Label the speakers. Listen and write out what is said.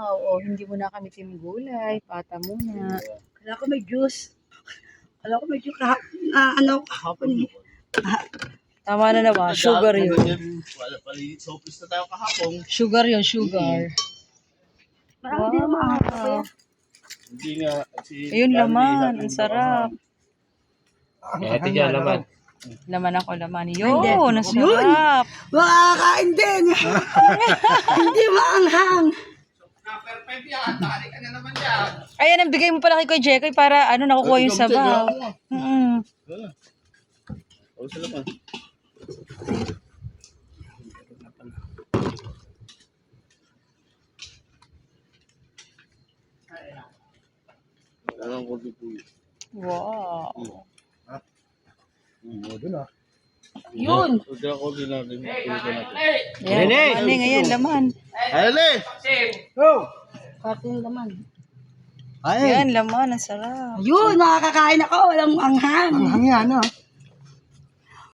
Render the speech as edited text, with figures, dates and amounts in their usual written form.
Speaker 1: Wow, oh, hindi mo na kami gulay. Pata muna.
Speaker 2: Kala ko may juice. Kala ko may juice kahapon eh.
Speaker 1: Tama na naman. Sugar yun.
Speaker 3: Wala pala, sopis na tayo kahapon.
Speaker 1: Sugar yun, sugar.
Speaker 2: Parang hindi naman ako kaya.
Speaker 3: Hindi nga.
Speaker 1: Ayun, laman. Ang sarap.
Speaker 3: Ito dyan, laman.
Speaker 1: Laman ako, laman. Yun, ang sarap.
Speaker 2: Makakain din. Hindi maanghang.
Speaker 3: Perfect yan. Tari ka na naman yan.
Speaker 1: Ayan, ang bigay mo pala kay Kuya Jekoy para nakukuha yung sabaw.
Speaker 3: O, sa laman. Alam ko dito.
Speaker 1: Wow.
Speaker 2: Yun.
Speaker 3: Huwag ako din natin.
Speaker 1: Ayan, laman. Ayan, laman.
Speaker 3: Ayole!
Speaker 2: Pati yung laman.
Speaker 1: Ayan, laman. Ang sarap.
Speaker 2: Yun, makakakain ako. Walang anghang.
Speaker 4: Ang hangyan, no?